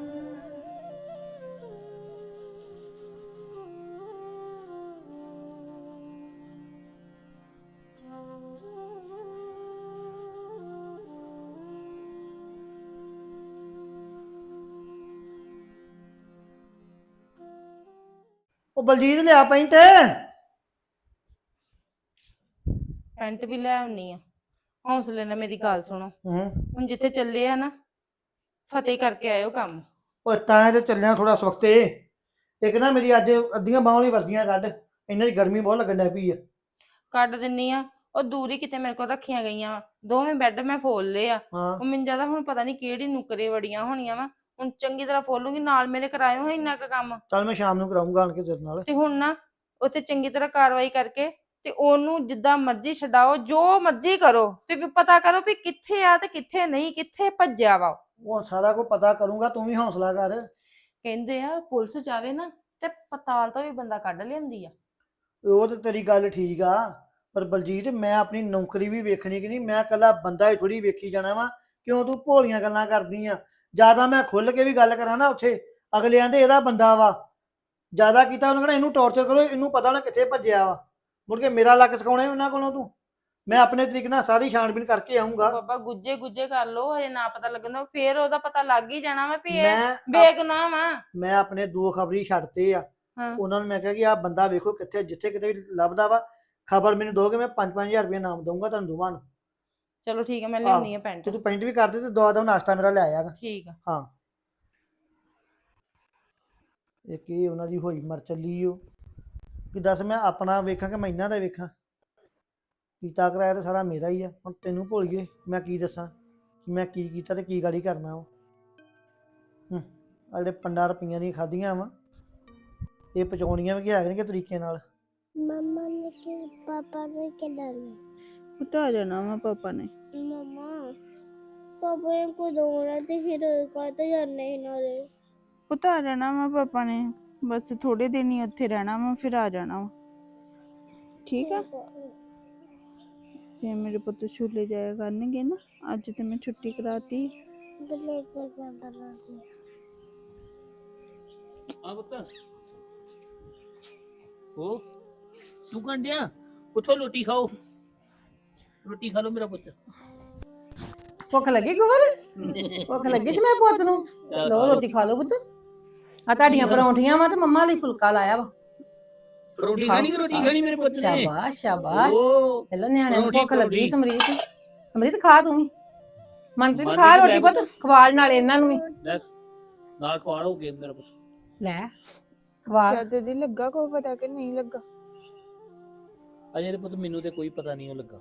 [SPEAKER 5] ਉਹ ਬਲਜੀਤ ਲਿਆ ਪੈਂਟ
[SPEAKER 7] ਪੈਂਟ ਵੀ ਲੈ ਆਉਣੀ ਆ। ਹੌਸਲੇ ਨਾਲ ਮੇਰੀ ਗੱਲ ਸੁਣੋ,
[SPEAKER 5] ਹੂੰ
[SPEAKER 7] ਹੁਣ ਜਿੱਥੇ ਚੱਲੇ ਆ ਨਾ ਫਤਿਹ ਕਰਕੇ ਆਇਓ ਕੰਮ।
[SPEAKER 5] ਉਹ ਤਾਂ ਤੇ ਚੱਲਿਆ ਥੋੜਾ ਸਵਖਤੇ। ਇੱਕ ਨਾ ਮੇਰੀ ਅੱਜ ਅੱਧੀਆਂ ਬਾਹਾਂ ਵਾਲੀ ਵਰਦੀਆਂ ਕੱਢ, ਇਹਨਾਂ ਦੀ ਗਰਮੀ ਬਹੁਤ ਲੱਗਣ ਡੈ ਪਈ ਆ।
[SPEAKER 7] ਕੱਢ ਦਿੰਨੀ ਆ, ਉਹ ਦੂਰੀ ਕਿਤੇ ਮੇਰੇ ਕੋਲ ਰੱਖੀਆਂ ਗਈਆਂ ਵਾ, ਦੋਵੇਂ ਬੈੱਡ ਮੈਂ ਫੋਲ ਲਏ ਆ।
[SPEAKER 5] ਹਾਂ
[SPEAKER 7] ਉਹ ਮੈਨੂੰ ਜਿਆਦਾ ਹੁਣ ਪਤਾ ਨਹੀਂ ਕਿਹੜੀ ਨੁਕਰੇ ਵੜੀਆਂ ਹੋਣੀਆਂ ਵਾ, ਹੁਣ ਚੰਗੀ ਤਰ੍ਹਾਂ ਫੋਲੂਗੀ। ਨਾਲ ਮੇਰੇ ਕਰਾਇਓ ਹੈ ਇੰਨਾ ਕੁ ਕੰਮ।
[SPEAKER 5] ਚੱਲ ਮੈਂ ਸ਼ਾਮ ਨੂੰ ਕਰਾਉਂਗਾ ਆਣ ਕੇ ਤੇਰੇ ਨਾਲ।
[SPEAKER 7] ਤੇ ਹੁਣ ਨਾ ਉੱਥੇ ਚੰਗੀ ਤਰ੍ਹਾਂ ਕਾਰਵਾਈ ਕਰਕੇ ਤੇ ਉਹਨੂੰ ਜਿੱਦਾਂ ਮਰਜ਼ੀ ਛਡਾਓ, ਜੋ ਮਰਜ਼ੀ ਕਰੋ, ਤੇ ਵੀ ਪਤਾ ਕਰੋ ਵੀ ਕਿੱਥੇ ਆ ਤੇ ਕਿੱਥੇ ਨਹੀਂ, ਕਿੱਥੇ ਭੱਜਿਆ ਵਾ।
[SPEAKER 5] ਉਹ ਸਾਰਾ ਕੁਝ ਪਤਾ ਕਰੂੰਗਾ, ਤੂੰ ਵੀ ਹੌਸਲਾ ਕਰ।
[SPEAKER 7] ਕਹਿੰਦੇ ਆ ਪੁਲਿਸ ਜਾਵੇ ਨਾ ਤੇ ਪਤਾਲ ਤੋਂ ਵੀ ਬੰਦਾ ਕੱਢ ਲਿਆਉਂਦੀ ਆ।
[SPEAKER 5] ਉਹ ਤੇ ਤੇਰੀ ਗੱਲ ਠੀਕ ਆ, ਪਰ ਬਲਜੀਤ ਮੈਂ ਆਪਣੀ ਨੌਕਰੀ ਵੀ ਵੇਖਣੀ ਕਿ ਨਹੀਂ। ਮੈਂ ਇਕੱਲਾ ਬੰਦਾ ਹੀ ਥੋੜੀ ਵੇਖੀ ਜਾਣਾ ਵਾ। ਕਿਉਂ ਤੂੰ ਭੋਲੀਆਂ ਗੱਲਾਂ ਕਰਦੀ ਆ? ਜਿਆਦਾ ਮੈਂ ਖੁੱਲ ਕੇ ਵੀ ਗੱਲ ਕਰਾਂ ਨਾ ਉੱਥੇ, ਅਗਲੇ ਆਂਦੇ ਇਹਦਾ ਬੰਦਾ ਵਾ, ਜਿਆਦਾ ਕੀਤਾ ਉਹਨਾਂ ਕਹਿੰਦਾ ਇਹਨੂੰ ਟੌਰਚਰ ਕਰੋ, ਇਹਨੂੰ ਪਤਾ ਨਾ ਕਿੱਥੇ ਭੱਜਿਆ ਵਾ। ਮੁੜ ਕੇ ਮੇਰਾ ਲੱਕ ਸਿਖਾਉਣਾ ਉਹਨਾਂ ਕੋਲੋਂ ਤੂੰ। ਮੈਂ ਆਪਣੇ ਤਰੀਕੇ ਨਾਲ ਸਾਰੀ ਛਾਣਬੀਨ ਕਰਕੇ ਆਉਂਗਾ।
[SPEAKER 7] ਬਾਬਾ ਗੁੱਜੇ ਗੁੱਜੇ ਕਰ ਲੋ, ਹਜੇ ਨਾ ਪਤਾ ਲੱਗਦਾ, ਫੇਰ ਉਹਦਾ ਪਤਾ ਲੱਗ ਹੀ ਜਾਣਾ ਵਾ ਵੀ ਇਹ
[SPEAKER 5] ਮੈਂ
[SPEAKER 7] ਬੇਗੁਨਾਹ ਵਾ।
[SPEAKER 5] ਮੈਂ ਆਪਣੇ ਦੋ ਖਬਰੀ ਛੱਡਤੇ ਆ।
[SPEAKER 7] ਹਾਂ।
[SPEAKER 5] ਉਹਨਾਂ ਨੂੰ ਮੈਂ ਕਿਹਾ ਕਿ ਆਹ ਬੰਦਾ ਵੇਖੋ ਕਿੱਥੇ, ਜਿੱਥੇ ਕਿਤੇ ਵੀ ਲੱਭਦਾ ਵਾ ਖਬਰ ਮੈਨੂੰ ਦੋਗੇ, ਮੈਂ ਪੰਜ ਪੰਜ ਹਜ਼ਾਰ ਰੁਪਏ ਨਾਮ ਦਊਂਗਾ ਤੁਹਾਨੂੰ ਦੋਵਾਂ ਨੂੰ।
[SPEAKER 7] ਚਲੋ ਠੀਕ ਹੈ, ਮੈਂ ਲਿਆਉਣੀ ਆ ਪੈਂਟ।
[SPEAKER 5] ਤੇ ਤੂੰ ਪੈਂਟ ਵੀ ਕਰ ਦੇ ਤੇ ਦਵਾ ਦਵਾ ਨਾਸ਼ਤਾ ਮੇਰਾ ਲੈ ਆਇਆਗਾ।
[SPEAKER 7] ਠੀਕ ਆ।
[SPEAKER 5] ਹਾਂ ਇਹ ਕੀ ਉਹਨਾਂ ਦੀ ਹੋਈ ਮਰ ਚੱਲੀ ਓ ਕਿ ਦੱਸ ਮੈਂ ਆਪਣਾ ਵੇਖਾਂ ਕਿ ਮੈਂ ਇਹਨਾਂ ਦਾ ਵੇਖਾਂ। ਕੀਤਾ ਕਰਾਇਆ ਤੇ ਸਾਰਾ ਮੇਰਾ ਹੀ ਆ। ਹੁਣ ਤੈਨੂੰ ਭੁੱਲ ਗਏ, ਮੈਂ ਕੀ ਦੱਸਾਂ ਕਿ ਮੈਂ ਕੀ ਕੀਤਾ ਤੇ ਕੀ ਗਾੜੀ ਕਰਨਾ ਉਹ। ਹੂੰ ਆ ਜਿਹੜੇ ਪੰਡਾਂ ਰੁਪਈਆਂ ਦੀਆਂ ਖਾਧੀਆਂ ਵਾ, ਇਹ ਪਚਾਉਣੀਆਂ ਵੀ ਹੈਗੇ ਨੇ ਕਿ ਤਰੀਕੇ ਨਾਲ।
[SPEAKER 3] मम्मा ने कि पापा ने क्या डाला?
[SPEAKER 4] ਪੁੱਤ ਆ ਜਾਣਾ ਵਾ ਪਾਪਾ ਨੇ।
[SPEAKER 3] मम्मा पापा ने को दौड़ा थे फिर कहते जाने ही ना रे।
[SPEAKER 4] ਪੁੱਤ ਆ ਜਾਣਾ ਵਾ ਪਾਪਾ ਨੇ, ਬਸ ਥੋੜੇ ਦਿਨ ਹੀ ਉੱਥੇ ਰਹਿਣਾ ਵਾ, ਫਿਰ ਆ ਜਾਣਾ ਵਾ। ਠੀਕ ਆ, ਫਿਰ ਮੇਰੇ ਪੁੱਤ ਛੁੱਲੇ ਜਾਇਆ ਕਰਨਗੇ ਨਾ। ਅੱਜ ਤੇ ਮੈਂ ਛੁੱਟੀ ਕਰਾਤੀ।
[SPEAKER 3] गले से क्या बना दी?
[SPEAKER 1] ਆ ਪੁੱਤ ਉਹ ਤੂੰ ਕੰਡਿਆ ਉੱਠੋ, ਰੋਟੀ ਖਾਓ, ਰੋਟੀ ਖਾ ਲਓ ਮੇਰਾ ਪੁੱਤ।
[SPEAKER 2] ਭੁੱਖ ਲੱਗੀ ਗੁਰ ਭੁੱਖ ਲੱਗੀ ਸੀ ਮੇਰੇ ਪੁੱਤ ਨੂੰ। ਲਓ ਰੋਟੀ ਖਾ ਲਓ ਪੁੱਤ। ਆ ਤੁਹਾਡੀਆਂ ਪਰੌਂਠੀਆਂ ਵਾ ਤੇ ਮੰਮਾ ਲਈ ਫੁਲਕਾ ਲਾਇਆ ਵਾ।
[SPEAKER 1] ਰੋਟੀ ਖਾਣੀ ਕਿ ਰੋਟੀ ਖਾਣੀ ਮੇਰੇ ਪੁੱਤ ਨੇ?
[SPEAKER 2] ਸ਼ਾਬਾਸ਼ ਸ਼ਾਬਾਸ਼।
[SPEAKER 1] ਓ
[SPEAKER 2] ਪਹਿਲਾਂ ਨਿਆਣਿਆਂ ਨੂੰ
[SPEAKER 1] ਪਰੌਂਠੀ,
[SPEAKER 2] ਭੁੱਖ ਲੱਗੀ।
[SPEAKER 1] ਪਰੌਂਠੀ।
[SPEAKER 2] ਸਮਰੀਤ ਸਮਰੀਤ ਖਾ ਤੂੰ ਵੀ। ਮਨਪ੍ਰੀਤ
[SPEAKER 1] ਮਨਪ੍ਰੀਤ
[SPEAKER 2] ਖਾ ਰੋਟੀ
[SPEAKER 1] ਲੈ
[SPEAKER 2] ਪੁੱਤ, ਖਵਾਲ ਨਾਲ ਇਹਨਾਂ ਨੂੰ ਵੀ।
[SPEAKER 1] ਲੈ ਨਾਲ ਖਵਾੜ ਹੋ ਗਏ ਮੇਰਾ ਪੁੱਤ।
[SPEAKER 2] ਲੈ ਖਵਾਲ।
[SPEAKER 4] ਚਾਚਾ ਜੀ ਲੱਗਾ ਕੋ ਪਤਾ ਕਿ ਨਹੀਂ ਲੱਗਾ?
[SPEAKER 1] ਅਜੇ ਤੇ ਪੁੱਤ ਮੈਨੂੰ ਤੇ ਕੋਈ ਪਤਾ ਨਹੀਂ ਉਹ ਲੱਗਾ।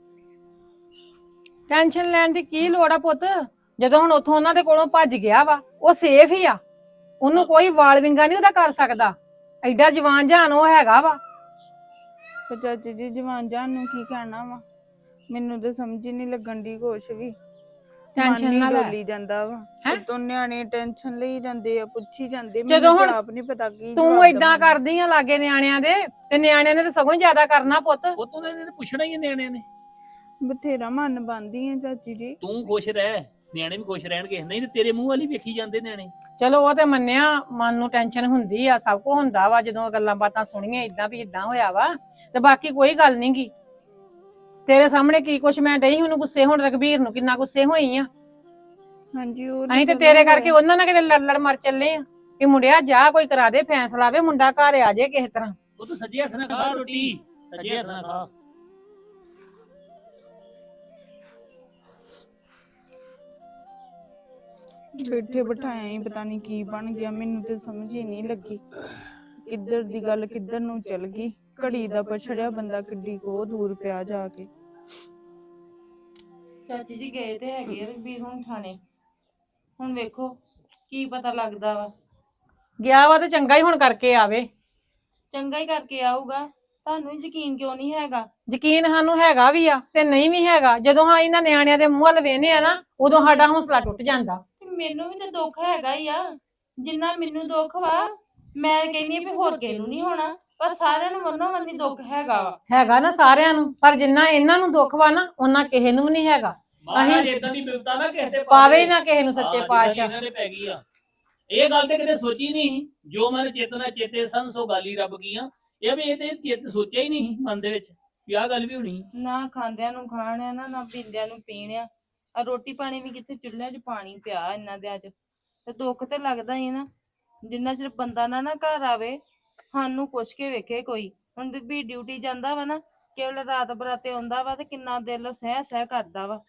[SPEAKER 2] ਟੈਨਸ਼ਨ ਲੈਣ ਦੀ ਕੀ ਲੋੜ ਆ ਪੁੱਤ, ਜਦੋਂ ਹੁਣ ਉੱਥੋਂ ਉਹਨਾਂ ਦੇ ਕੋਲੋਂ ਭੱਜ ਗਿਆ ਵਾ, ਉਹ ਸੇਫ ਹੀ ਆ। ਉਹਨੂੰ ਕੋਈ ਵਾਲ ਵਿੰਗਾ ਨਹੀਂ ਉਹਦਾ ਕਰ ਸਕਦਾ। ਐਡਾ ਜਵਾਨ ਜਹਾਨ ਉਹ ਹੈਗਾ ਵਾ।
[SPEAKER 4] ਪਰ ਚਾਚੀ ਜੀ ਜਵਾਨ ਜਾਨ ਨੂੰ ਕੀ ਕਹਿਣਾ ਵਾ, ਮੈਨੂੰ ਤਾਂ ਸਮਝ ਹੀ ਨਹੀਂ ਲੱਗਣ ਦੀ ਕੁਛ ਵੀ।
[SPEAKER 2] ਟੈਨਸ਼ਨ ਨਾ ਲੈ।
[SPEAKER 4] ਡੋਲੀ ਜਾਂਦਾ ਵਾ।
[SPEAKER 2] ਹੈਂ?
[SPEAKER 4] ਉਤੋਂ ਨਿਆਣੇ ਟੈਨਸ਼ਨ ਲਈ ਜਾਂਦੇ ਆ, ਪੁੱਛੀ ਜਾਂਦੇ।
[SPEAKER 2] ਜਦੋਂ
[SPEAKER 4] ਮੈਨੂੰ
[SPEAKER 2] ਹੁਣ
[SPEAKER 4] ਤਾਂ ਆਪ ਨਹੀਂ ਪਤਾ ਕੀ
[SPEAKER 2] ਤੂੰ
[SPEAKER 4] ਜਵਾਬ
[SPEAKER 2] ਏਦਾਂ
[SPEAKER 4] ਦੇਵਾਂ।
[SPEAKER 2] ਕਰਦੀ ਆ ਲਾਗੇ ਨਿਆਣਿਆਂ ਦੇ, ਤੇ ਨਿਆਣਿਆਂ ਨੇ ਤਾਂ ਸਗੋਂ ਜ਼ਿਆਦਾ ਕਰਨਾ ਪੁੱਤ।
[SPEAKER 1] ਉਹ ਤੋਂ ਇਹਨੇ ਪੁੱਛਣਾ ਹੀ ਹੈ ਨਿਆਣਿਆਂ ਨੇ।
[SPEAKER 4] ਬਥੇਰਾ ਮਨ ਬੰਦੀ ਆ ਚਾਚੀ ਜੀ।
[SPEAKER 1] ਤੂੰ ਖੁਸ਼ ਰਹਿ, ਨਿਆਣੇ ਵੀ ਖੁਸ਼ ਰਹਿਣਗੇ। ਨਹੀਂ ਤੇ ਤੇਰੇ ਮੂੰਹ ਵਾਲੀ ਵੇਖੀ ਜਾਂਦੇ ਨਿਆਣੇ।
[SPEAKER 2] ਚਲੋ ਉਹ ਤੇ ਮੰਨਿਆ, ਮਨ ਨੂੰ ਟੈਨਸ਼ਨ ਹੁੰਦੀ ਆ, ਸਭ ਕੁਝ ਹੁੰਦਾ ਵਾ ਜਦੋਂ ਗੱਲਾਂ ਬਾਤਾਂ ਸੁਣੀਆਂ ਇਦਾਂ ਵੀ ਇਦਾਂ ਹੋਇਆ ਵਾ। ਤੇ ਬਾਕੀ ਕੋਈ ਗੱਲ ਨੀ ਗੀ, ਤੇਰੇ ਸਾਹਮਣੇ ਕੀ ਕੁਛ ਮੈਂ ਡਈ ਉਹਨੂੰ ਗੁੱਸੇ ਹੁਣ, ਰਘਬੀਰ ਨੂੰ ਕਿੰਨਾ ਗੁੱਸੇ ਹੋਈ ਆ।
[SPEAKER 4] ਹਾਂਜੀ ਉਹ
[SPEAKER 2] ਅਸੀਂ ਤੇ ਤੇਰੇ ਕਰਕੇ ਉਹਨਾਂ ਨਾਲ ਕਿਤੇ ਲੜ ਲੜ ਮਰ ਚੱਲੇ ਆ ਕਿ ਮੁੰਡਿਆ ਜਾ ਕੋਈ ਕਰਾ ਦੇ ਫੈਸਲਾ, ਵੇ ਮੁੰਡਾ ਘਰ ਆ ਜੇ ਕਿਸੇ ਤਰ੍ਹਾਂ।
[SPEAKER 1] ਉਹ ਤਾਂ ਸੱਜੇ ਹੱਥ ਨਾਲ ਖਾ ਰੋਟੀ, ਸੱਜੇ ਹੱਥ ਨਾਲ ਖਾ।
[SPEAKER 4] ਬੈਠੇ ਬਿਠਾਇਆ ਹੀ ਪਤਾ ਨਹੀਂ ਕੀ ਬਣ ਗਿਆ, ਮੈਨੂੰ ਤੇ ਸਮਝ ਹੀ ਨਹੀਂ ਲੱਗੀ ਕਿੱਧਰ ਦੀ ਗੱਲ ਕਿੱਧਰ ਨੂੰ ਚੱਲ ਗਈ। ਘੜੀ ਦਾ ਪਛੜਿਆ ਬੰਦਾ ਕਿੱਡੀ ਕੋ ਦੂਰ ਪਿਆ ਜਾ ਕੇ।
[SPEAKER 7] ਚਾਚੀ ਜੀ ਗਏ ਤੇ ਹੈਗੇ ਆ ਰਘਬੀਰ ਹੁਣ ਥਾਣੇ, ਹੁਣ ਵੇਖੋ ਕੀ ਪਤਾ ਲੱਗਦਾ ਵਾ।
[SPEAKER 2] ਗਿਆ ਵਾ ਤੇ ਚੰਗਾ ਹੀ ਹੁਣ ਕਰਕੇ ਆਵੇ।
[SPEAKER 7] ਚੰਗਾ ਹੀ ਕਰਕੇ ਆਊਗਾ, ਤੁਹਾਨੂੰ ਯਕੀਨ ਕਿਉਂ ਨਹੀਂ ਹੈਗਾ?
[SPEAKER 2] ਯਕੀਨ ਸਾਨੂੰ ਹੈਗਾ ਵੀ ਆ ਤੇ ਨਹੀਂ ਵੀ ਹੈਗਾ। ਜਦੋਂ ਹਾਂ ਇਹਨਾਂ ਨਿਆਣਿਆਂ ਦੇ ਮੂੰਹ ਵੱਲ ਵੇਹਨੇ ਆ ਨਾ, ਉਦੋਂ ਸਾਡਾ ਹੌਸਲਾ ਟੁੱਟ ਜਾਂਦਾ।
[SPEAKER 7] ਤੇ ਮੈਨੂੰ ਵੀ ਤੇ ਦੁੱਖ ਹੈਗਾ ਹੀ ਆ, ਜਿੰਨਾ ਮੈਨੂੰ ਦੁੱਖ ਵਾ ਮੈਂ ਕਹਿੰਦੀ ਆ ਵੀ ਹੋਰ ਕਿਸੇ ਨੂੰ ਨਹੀਂ ਹੋਣਾ, ਪਰ ਸਾਰਿਆਂ ਨੂੰ ਮਨੋਂ ਮੰਨੀ ਦੁੱਖ ਹੈਗਾ ਵਾ।
[SPEAKER 2] ਹੈਗਾ ਨਾ ਸਾਰਿਆਂ ਨੂੰ, ਪਰ ਜਿੰਨਾ ਇਹਨਾਂ ਨੂੰ ਦੁੱਖ ਵਾ ਨਾ ਉਹਨਾਂ ਕਿਸੇ ਨੂੰ ਵੀ ਨਹੀਂ ਹੈਗਾ।
[SPEAKER 1] ਮਹਾਰਾਜ ਇਦਾਂ ਦੀ ਬਿਪਤਾ ਨਾ ਕਿਸੇ ਤੇ
[SPEAKER 2] ਪਾਵੇ ਹੀ ਨਾ ਕਿਸੇ ਨੂੰ ਸੱਚੇ
[SPEAKER 1] ਹਾਂ,
[SPEAKER 2] ਪਾਤਸ਼ਾਹ।
[SPEAKER 1] ਜਿੱਦਾਂ ਦੀ ਇਹਨਾਂ ਦੇ ਪੈ ਗਈ ਆ। ਇਹ ਗੱਲ ਤੇ ਕਿਤੇ ਸੋਚੀ ਨਹੀਂ, ਜੋ ਮਨ ਚੇਤਨਾ ਚੇਤੇ ਸਨ ਸੋ ਗਾਲੀ ਰੱਬ ਕੀਆਂ। ਇਹ ਵੀ ਇਹ ਤੇ ਚੇਤ ਸੋਚਿਆ ਹੀ ਨਹੀਂ ਮਨ ਦੇ ਵਿੱਚ ਵੀ ਆਹ ਗੱਲ ਵੀ ਹੋਣੀ।
[SPEAKER 7] ਨਾ ਖਾਂਦਿਆਂ ਨੂੰ ਖਾਣਿਆ ਨਾ ਨਾ ਪੀਂਦਿਆਂ ਨੂੰ ਪੀਣਿਆ, ਆ ਰੋਟੀ ਪਾਣੀ ਵੀ ਕਿੱਥੇ ਚੁੱਲ੍ਹਿਆਂ 'ਚ ਪਾਣੀ ਪਿਆ ਇਹਨਾਂ ਦੇ ਅੱਜ। ਤੇ ਦੁੱਖ ਤੇ ਲੱਗਦਾ ਹੀ ਨਾ, ਜਿੰਨਾ ਚਿਰ ਬੰਦਾ ਨਾ ਨਾ ਘਰ ਆਵੇ ਸਾਨੂੰ ਪੁੱਛ ਕੇ ਵੇਖੇ ਕੋਈ। ਹੁਣ ਵੀ ਡਿਊਟੀ ਜਾਂਦਾ ਵਾ ਨਾ, ਕੇਵਲ ਰਾਤ ਬਰਾਤੇ ਆਉਂਦਾ ਵਾ ਤੇ ਕਿੰਨਾ ਦਿਲ ਸਹਿ ਸਹਿ ਕਰਦਾ ਵਾ।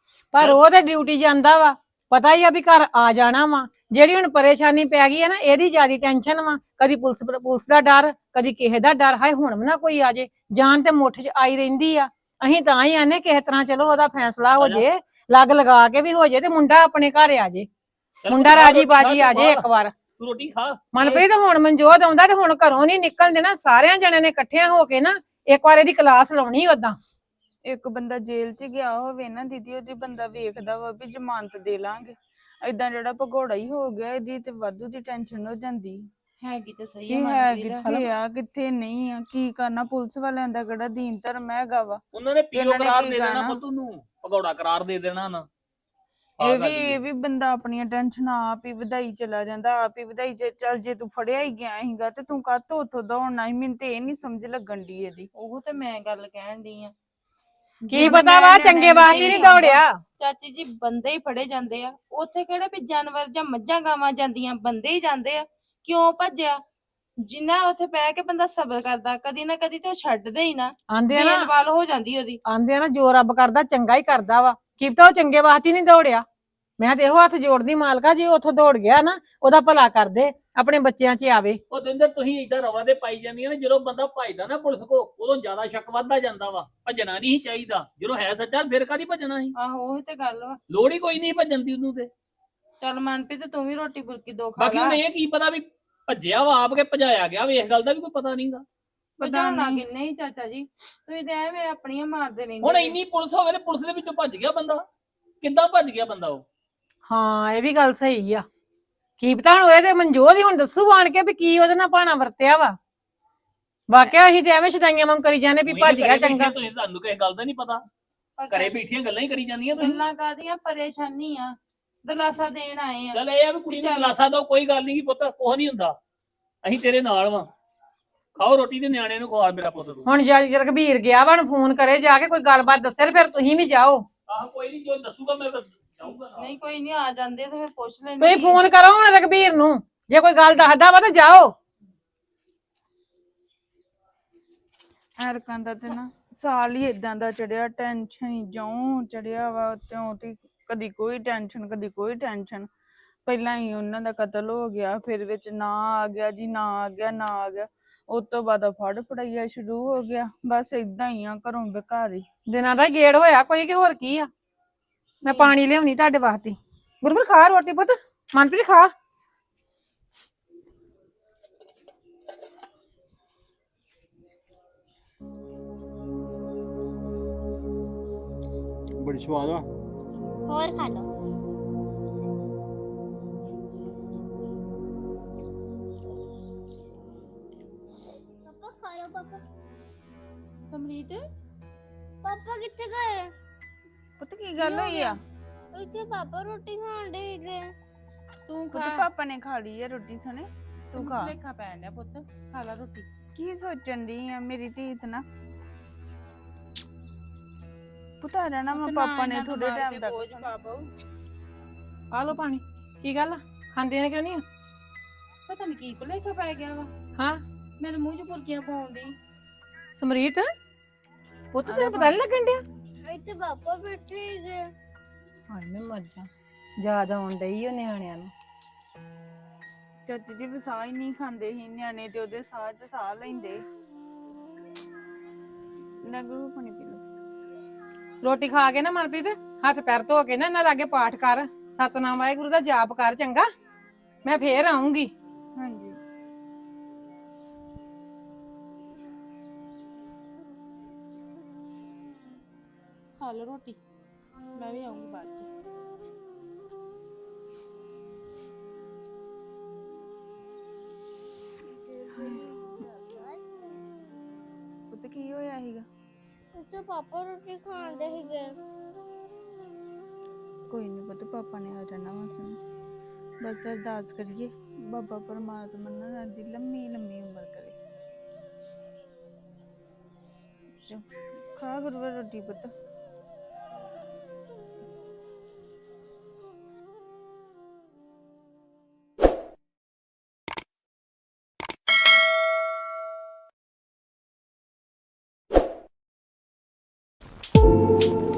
[SPEAKER 2] ਪਰ ਉਹ ਤੇ ਡਿਊਟੀ ਜਾਂਦਾ ਵਾ, ਪਤਾ ਹੀ ਆ ਵੀ ਘਰ ਆ ਜਾਣਾ ਵਾ। ਜਿਹੜੀ ਹੁਣ ਪਰੇਸ਼ਾਨੀ ਪੈ ਗਈ ਹੈ ਨਾ, ਇਹਦੀ ਜ਼ਿਆਦਾ ਟੈਨਸ਼ਨ ਵਾ। ਕਦੀ ਪੁਲਿਸ ਪੁਲਿਸ ਦਾ ਡਰ, ਕਦੀ ਕਿਸੇ ਦਾ ਡਰ। ਹਾਏ ਹੁਣ ਵੀ ਨਾ ਕੋਈ ਆ ਜੇ, ਜਾਨ ਤੇ ਮੁੱਠ 'ਚ ਆਈ ਰਹਿੰਦੀ ਆ। ਅਸੀਂ ਤਾਂ ਹੀ ਆਨੇ ਕਿਸੇ ਤਰ੍ਹਾਂ ਚਲੋ ਉਹਦਾ ਫੈਸਲਾ ਹੋ ਜੇ, ਲੱਗ ਲਗਾ ਕੇ ਵੀ ਹੋ ਜੇ ਤੇ ਮੁੰਡਾ ਆਪਣੇ ਘਰ ਆ ਜੇ, ਮੁੰਡਾ ਰਾਜੀ ਬਾਜੀ ਆ ਜੇ ਇੱਕ ਵਾਰ।
[SPEAKER 1] ਤੂੰ ਰੋਟੀ ਖਾ।
[SPEAKER 2] ਮਨਪ੍ਰੀਤ ਹੁਣ ਮਨਜੋਤ ਆਉਂਦਾ ਤੇ ਹੁਣ ਘਰੋਂ ਨਹੀਂ ਨਿਕਲਣ ਦੇਣਾ। ਸਾਰਿਆਂ ਜਣਿਆਂ ਨੇ ਇਕੱਠਿਆਂ ਹੋ ਕੇ ਨਾ ਇੱਕ ਵਾਰ ਇਹਦੀ ਕਲਾਸ ਲਾਉਣੀ। ਓਦਾਂ
[SPEAKER 4] ਇੱਕ ਬੰਦਾ ਜੇਲ੍ਹ 'ਚ ਗਿਆ ਹੋਵੇ ਨਾ ਦੀਦੀ, ਉਹਦੀ ਬੰਦਾ ਵੇਖਦਾ ਵਾ ਵੀ ਜ਼ਮਾਨਤ ਦੇ ਲਾਂਗੇ। ਏਦਾਂ ਜਿਹੜਾ ਭਗੌੜਾ ਹੀ ਹੋ ਗਿਆ, ਇਹਦੀ ਤੇ ਵਾਧੂ ਦੀ ਟੈਨਸ਼ਨ ਹੋ ਜਾਂਦੀ
[SPEAKER 7] ਹੈਗੀ ਤੇ ਸਹੀ
[SPEAKER 4] ਇਹ
[SPEAKER 7] ਆ
[SPEAKER 4] ਹੈ
[SPEAKER 7] ਮਨਪ੍ਰੀਤ।
[SPEAKER 4] ਕਿੱਥੇ ਆ ਕਿੱਥੇ ਨਹੀਂ ਆ, ਕੀ ਕਰਨਾ। ਪੁਲਿਸ ਵਾਲਿਆਂ ਦਾ ਕਿਹੜਾ ਦੀਨ ਧਰਮ ਹੈਗਾ ਵਾ।
[SPEAKER 1] ਉਹਨਾਂ ਨੇ ਪੀਓ
[SPEAKER 4] ਇਹਨਾਂ ਨੇ
[SPEAKER 1] ਕਰਾਰ
[SPEAKER 4] ਕੀ
[SPEAKER 1] ਦੇ ਦੇਣਾ
[SPEAKER 4] ਕਹਿਣਾ?
[SPEAKER 1] ਪੁੱਤ ਨੂੰ, ਭਗੌੜਾ ਕਰਾਰ ਦੇ ਦੇਣਾ ਨਾ। ਆਹ
[SPEAKER 4] ਇਹ ਵੀ
[SPEAKER 1] ਗੱਲ ਹੀ
[SPEAKER 4] ਇਹ ਵੀ ਬੰਦਾ ਆਪਣੀਆਂ ਟੈਨਸ਼ਨ ਆਪ ਹੀ ਵਧਾਈ ਚਲਾ ਜਾਂਦਾ, ਆਪ ਹੀ ਵਧਾਈ ਜੇ। ਚੱਲ ਜੇ ਤੂੰ ਫੜਿਆ ਹੀ ਗਿਆ ਸੀਗਾ ਤੇ ਤੂੰ ਕਾਹਤੋਂ ਉੱਥੋਂ ਦੌੜਨਾ ਸੀ? ਮੈਨੂੰ ਤੇ ਇਹ ਨੀ ਸਮਝ ਲੱਗਣ ਦੀ ਇਹਦੀ।
[SPEAKER 7] ਉਹ ਤੇ ਮੈਂ ਗੱਲ ਕਹਿਣ ਡਈ ਆ।
[SPEAKER 2] ਕੀ ਪਤਾ ਵਾ ਚੰਗੇ ਵਾਸਤੇ ਨਹੀਂ ਦੌੜਿਆ।
[SPEAKER 7] ਚਾਚੀ ਜੀ ਬੰਦੇ ਹੀ ਫੜੇ ਜਾਂਦੇ ਆ, ਉੱਥੇ ਕਿਹੜੇ ਵੀ ਜਾਨਵਰ ਜਾਂ ਮੱਝਾਂ ਗਾਵਾਂ ਜਾਂਦੀਆਂ, ਬੰਦੇ ਹੀ ਜਾਂਦੇ ਆ। ਕਿਉਂ ਭੱਜਿਆ? ਜਿੰਨਾ ਉੱਥੇ ਬਹਿ ਕੇ ਬੰਦਾ ਸਬਰ ਕਰਦਾ, ਕਦੀ ਨਾ ਕਦੀ ਤੇ ਉਹ ਛੱਡਦੇ ਹੀ ਨਾ,
[SPEAKER 2] ਆਂਦੇ ਆ ਨਾ
[SPEAKER 7] ਬੇਲਵਾਲ ਹੋ ਜਾਂਦੀ ਉਹਦੀ।
[SPEAKER 2] ਆਂਦੇ ਆ ਨਾ ਜੋ ਰੱਬ ਕਰਦਾ ਚੰਗਾ ਹੀ ਕਰਦਾ ਵਾ। ਕੀ ਪਤਾ ਉਹ ਚੰਗੇ ਵਾਸਤੇ ਨਹੀਂ ਦੌੜਿਆ। ਮੈਂ ਤੇ ਇਹੋ ਹੱਥ ਜੋੜਦੀ ਮਾਲਕਾ, ਜੇ ਉੱਥੋਂ ਦੌੜ ਗਿਆ ਨਾ ਉਹਦਾ ਭਲਾ ਕਰਦੇ, ਆਪਣੇ ਬੱਚਿਆਂ 'ਚ ਆਵੇ।
[SPEAKER 1] ਉਹ ਦਿੰਦੇ ਤੁਸੀਂ ਏਦਾਂ ਰਵਾ ਦੇ ਪਾਈ ਜਾਂਦੀਆਂ ਨੇ। ਜਦੋਂ ਬੰਦਾ ਭੱਜਦਾ ਨਾ ਪੁਲਿਸ ਕੋ, ਉਦੋਂ ਜ਼ਿਆਦਾ ਸ਼ੱਕ ਵੱਧਦਾ ਜਾਂਦਾ ਵਾ। ਭੱਜਣਾ ਨਹੀਂ ਚਾਹੀਦਾ। ਜਦੋਂ ਹੈ ਸੱਚਾ ਫਿਰ ਕਾਹਦੀ ਭੱਜਣਾ ਸੀ?
[SPEAKER 7] ਆਹੋ ਉਹੀ ਤੇ ਗੱਲ ਵਾ।
[SPEAKER 1] ਲੋੜ ਹੀ ਕੋਈ ਨਹੀਂ ਭੱਜਣ ਦੀ ਉਹਨੂੰ ਤੇ।
[SPEAKER 7] ਚੱਲ ਮਨਪ੍ਰੀਤ ਤੂੰ ਵੀ ਰੋਟੀ ਬੁਰਕੀ ਦੋ ਖਾ
[SPEAKER 1] ਬਾਕੀ
[SPEAKER 7] ਲਾ।
[SPEAKER 1] ਹੁਣ ਇਹ ਕੀ ਪਤਾ ਵੀ ਭੱਜਿਆ ਵਾ ਆਪ ਕੇ ਭਜਾਇਆ ਗਿਆ ਵੇ, ਇਸ ਗੱਲ ਦਾ ਵੀ ਕੋਈ ਪਤਾ ਨਹੀਂਗਾ।
[SPEAKER 4] ਪਤਾ
[SPEAKER 7] ਭਜਾਉਣਾ
[SPEAKER 4] ਨਹੀਂ
[SPEAKER 7] ਕਿੰਨੇ ਹੀ ਚਾਚਾ ਜੀ, ਤੁਸੀਂ ਤੇ ਐਵੇਂ ਆਪਣੀਆਂ ਮਾਰਦੇ ਰਹਿੰਦੇ
[SPEAKER 1] ਹੁਣ
[SPEAKER 7] ਜੇ।
[SPEAKER 1] ਇੰਨੀ ਪੁਲਿਸ ਹੋਵੇ ਤੇ ਪੁਲਿਸ ਦੇ ਵਿੱਚੋਂ ਭੱਜ ਗਿਆ ਬੰਦਾ, ਕਿੱਦਾਂ ਭੱਜ ਗਿਆ ਬੰਦਾ ਉਹ?
[SPEAKER 2] ਹਾਂ ਇਹ ਵੀ ਗੱਲ ਸਹੀ ਆ। ਕੀ ਪਤਾ ਹੁਣ ਇਹਦੇ ਮਨਜੋਤ ਹੀ ਹੁਣ ਦੱਸੂ ਆਣ ਕੇ ਵੀ ਕੀ ਉਹਦੇ ਨਾਲ ਭਾਣਾ ਵਰਤਿਆ ਵਾ। ਵਾਕਿਆ ਅਸੀਂ ਤੇ ਐਵੇਂ ਛਡਾਈਆਂ ਵਾਂਗ ਕਰੀ ਜਾਂਦੇ ਵੀ
[SPEAKER 1] ਤੁਸੀਂ
[SPEAKER 2] ਭੱਜ
[SPEAKER 1] ਤੇ
[SPEAKER 2] ਗਿਆ
[SPEAKER 1] ਘਰੇ ਬੈਠੇ
[SPEAKER 2] ਚੰਗਾ।
[SPEAKER 1] ਤੁਸੀਂ, ਤੁਹਾਨੂੰ ਕਿਸੇ ਗੱਲ ਦਾ ਨਹੀਂ ਪਤਾ।
[SPEAKER 7] ਪਰ
[SPEAKER 1] ਘਰੇ ਬੈਠੀਆਂ ਗੱਲਾਂ ਹੀ ਕਰੀ ਜਾਂਦੀਆਂ ਤੁਸੀਂ।
[SPEAKER 7] ਗੱਲਾਂ ਕਾਹਦੀਆਂ, ਪਰੇਸ਼ਾਨੀ ਆ, ਦਿਲਾਸਾ ਦੇਣ ਆਏ ਆ।
[SPEAKER 1] ਚੱਲ ਇਹ ਆ ਵੀ ਕੁੜੀ ਨੂੰ ਦਿਲਾਸਾ ਦੋ, ਕੋਈ ਗੱਲ ਨਹੀਂ ਪੁੱਤ, ਕੁਛ ਨਹੀਂ ਹੁੰਦਾ, ਅਸੀਂ ਤੇਰੇ ਨਾਲ ਵਾਂ। ਖਾਓ ਰੋਟੀ ਤੇ ਨਿਆਣੇ ਨੂੰ ਖਵਾ ਮੇਰਾ ਪੁੱਤ ਤੂੰ।
[SPEAKER 2] ਹੁਣ ਜਦ ਰਘਬੀਰ ਗਿਆ ਵਾ, ਫੋਨ ਕਰੇ ਜਾ ਕੇ ਕੋਈ ਗੱਲਬਾਤ ਦੱਸੇ ਤੇ ਫਿਰ ਤੁਸੀਂ ਵੀ ਜਾਓ।
[SPEAKER 1] ਆਹ ਕੋਈ ਨਹੀਂ, ਜੋ ਦੱਸੂਗਾ ਮੈਂ ਫਿਰ ਜਾਊਂਗਾ ਨਾਲ।
[SPEAKER 7] ਨਹੀਂ ਕੋਈ ਨਹੀਂ, ਆ ਜਾਂਦੇ ਤੇ ਫਿਰ ਪੁੱਛ ਲੈਂਦੇ।
[SPEAKER 2] ਤੁਸੀਂ ਫੋਨ ਕਰੋ ਹੁਣ ਰਘਬੀਰ ਨੂੰ, ਜੇ ਕੋਈ ਗੱਲ ਦੱਸਦਾ ਵਾ ਤਾਂ ਜਾਓ।
[SPEAKER 4] ਐਰਕਾਂ ਦਾ ਤੇ ਨਾ ਸਾਲ ਹੀ ਏਦਾਂ ਦਾ ਚੜਿਆ, ਟੈਨਸ਼ਨ ਹੀ ਜਿਉਂ ਚੜਿਆ ਵਾ ਤਿਉਂ ਤੇ। ਕਦੀ ਕੋਈ ਟੈਨਸ਼ਨ ਕਦੀ ਕੋਈ ਟੈਨਸ਼ਨ। ਪਹਿਲਾਂ ਹੀ ਉਹਨਾਂ ਦਾ ਕਤਲ ਹੋ ਗਿਆ, ਫਿਰ ਵਿੱਚ ਨਾ ਆ ਗਿਆ ਜੀ, ਨਾ ਆ ਗਿਆ, ਨਾ ਆ ਗਿਆ। ਉਸ ਤੋਂ ਬਾਅਦ ਫੜ ਫੜਾਈਆ ਸ਼ੁਰੂ ਹੋ ਗਿਆ। ਬਸ ਏਦਾਂ ਹੀ ਆ, ਘਰੋਂ ਬੇਘਰ
[SPEAKER 2] ਦਿਨਾਂ ਦਾ ਗੇੜ ਹੋਇਆ ਕੋਈ ਕਿ ਹੋਰ ਕੀ ਆ। ਮੈਂ ਪਾਣੀ ਲਿਆਉਣੀ ਤੁਹਾਡੇ ਵਾਸਤੇ। ਗੁਰਬਰ ਖਾ ਰੋਟੀ ਪੁੱਤ, ਮਨਪ੍ਰੀਤ ਖਾ।
[SPEAKER 5] ਬੜੀ ਸਵਾਦ ਆ।
[SPEAKER 3] और खा लो। पापा खा लो पापा।
[SPEAKER 7] ਸਮਰੀਤ
[SPEAKER 3] पापा कितने गए?
[SPEAKER 4] ਪੁੱਤ ਕੀ ਗੱਲ ਹੋਈ ਆ?
[SPEAKER 3] ਇੱਥੇ ਪਾਪਾ ਰੋਟੀ ਖਾਣ ਦੇ ਗਏ।
[SPEAKER 7] ਤੂੰ
[SPEAKER 4] ਪੁੱਤ
[SPEAKER 7] ਖਾ
[SPEAKER 4] ਪਾਪਾ ਨੇ ਖਾ ਲਈ ਆ ਰੋਟੀ ਸਣੇ ਤੂੰ ਖਾ
[SPEAKER 7] ਲੇਖਾ ਪੈਣ ਡਿਆ ਪੁੱਤ, ਖਾ ਲਾ ਰੋਟੀ।
[SPEAKER 4] ਕੀ ਸੋਚਣ ਦੀ ਆ ਮੇਰੀ ਧੀ ਇਤਨਾ ਪੁੱਤਾ ਰਹਿਣਾ ਮੈਂ
[SPEAKER 7] ਪੁੱਤ
[SPEAKER 4] ਪਾਪਾ ਨੇ
[SPEAKER 7] ਇਹਨਾਂ
[SPEAKER 4] ਥੋੜੇ
[SPEAKER 7] ਦਿਮਾਗ
[SPEAKER 4] ਟਾਈਮ
[SPEAKER 7] ਤੇ
[SPEAKER 4] ਤੱਕ
[SPEAKER 7] ਬੋਝ ਪਾ ਪਾਊ।
[SPEAKER 2] ਆ ਲੋ ਪਾਣੀ। ਕੀ ਗੱਲ ਆ? ਖਾਂਦੇ ਨੇ ਕਿਉਂ ਨਹੀਂ?
[SPEAKER 7] ਪਤਾ ਨੀ ਕੀ ਭੁਲੇਖਾ ਪੈ ਗਿਆ ਵਾ,
[SPEAKER 2] ਹਾਂ
[SPEAKER 7] ਮੇਰੇ ਮੂੰਹ 'ਚ ਬੁਰਕੀਆਂ ਪਾਉਣ ਦੀ।
[SPEAKER 2] ਸਮਰੀਤ ਪੁੱਤ ਤੈਨੂੰ ਪਤਾ ਨਹੀਂ ਲੱਗਣ ਡਿਆ?
[SPEAKER 3] ਇੱਥੇ ਪਾਪਾ ਬੈਠੇ ਗਏ।
[SPEAKER 2] ਹਾਏ ਮੈਂ ਮਰ ਜਾ, ਯਾਦ ਆਉਣ ਡਈ ਓ ਨਿਆਣਿਆਂ ਨੂੰ।
[SPEAKER 4] ਚਾਚੀ ਜੀ ਵਸਾ ਹੀ ਨਹੀਂ ਖਾਂਦੇ ਸੀ ਨਿਆਣੇ ਤੇ ਉਹਦੇ ਸਾਹ ਚ ਸਾਹ ਲੈਂਦੇ। ਨਗੂ ਪਾਣੀ ਪੀ ਲਓ।
[SPEAKER 2] ਰੋਟੀ ਖਾ ਕੇ ਨਾ ਮਨਪ੍ਰੀਤ ਹੱਥ ਪੈਰ ਧੋ ਕੇ ਨਾ ਇਹਨਾਂ ਲਾਗੇ ਪਾਠ ਕਰ, ਸਤਨਾਮ ਵਾਹਿਗੁਰੂ ਦਾ ਜਾਪ ਕਰ, ਚੰਗਾ? ਮੈਂ ਫੇਰ ਆਉਂਗੀ।
[SPEAKER 4] ਹਾਂਜੀ
[SPEAKER 7] ਖਾ ਲਓ ਰੋਟੀ, ਮੈਂ ਵੀ ਆਉਂਗੀ ਬਾਅਦ 'ਚ।
[SPEAKER 4] ਪੁੱਤ ਕੀ ਹੋਇਆ ਸੀਗਾ?
[SPEAKER 3] ਇੱਥੇ ਪਾਪਾ ਰੋਟੀ ਖਾਣ ਦੇ ਗਏ।
[SPEAKER 4] ਕੋਈ ਨਹੀਂ ਪੁੱਤ ਪਾਪਾ ਨੇ ਆ ਜਾਣਾ ਵਾ ਸੁਣ, ਬਸ ਅਰਦਾਸ ਕਰੀਏ ਬਾਬਾ ਪਰਮਾਤਮਾ ਨਾ ਦੀ ਲੰਮੀ ਲੰਮੀ ਉਮਰ ਕਰੇ। ਚਲ ਖਾ ਗੁਰੂਆ ਰੋਟੀ ਪੁੱਤ।
[SPEAKER 3] Thank you.